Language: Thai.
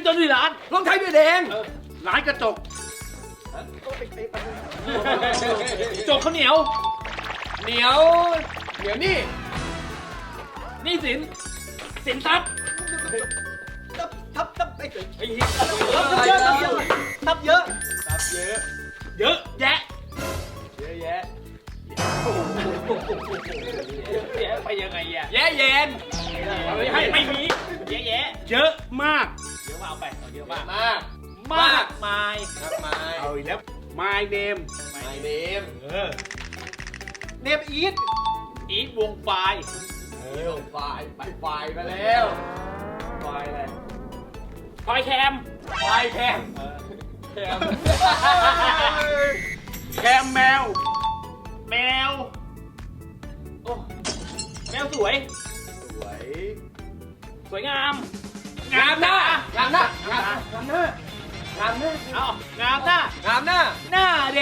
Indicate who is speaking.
Speaker 1: จนที่ร้าน
Speaker 2: รองเท้าเบียร์แดง
Speaker 1: ร้านกระจกจกข้าวเหนียว
Speaker 2: เหนียวนี่
Speaker 1: หนี่สินสินทรัพย์
Speaker 2: ทับไอ้เกิด
Speaker 1: ไอ้
Speaker 2: ทับเยอะ
Speaker 1: เยอะแยะ
Speaker 2: เยอะแยะ
Speaker 1: แยะไปยังไงอ่ะ
Speaker 2: แย่เย็น
Speaker 1: ไม่มีแยะแยะเยอะมากเยอะมากเอาไปเอาเยอะมาก มากมาย
Speaker 2: ครับไม้
Speaker 1: เอาอีกแล้ว my name
Speaker 2: ไม้เนม
Speaker 1: เนมอีทวงไฟล์
Speaker 2: ไฟมาแล้ว
Speaker 1: ไฟล์อะไรไฟล์แคม
Speaker 2: ไฟแคม
Speaker 1: แคมแคมแมว แมวโอ้แมวสวย
Speaker 2: สวย
Speaker 1: สวยงาม
Speaker 2: งามหน้างามหน้า
Speaker 1: เอางามหน้า
Speaker 2: งามหน้า
Speaker 1: หน้าเ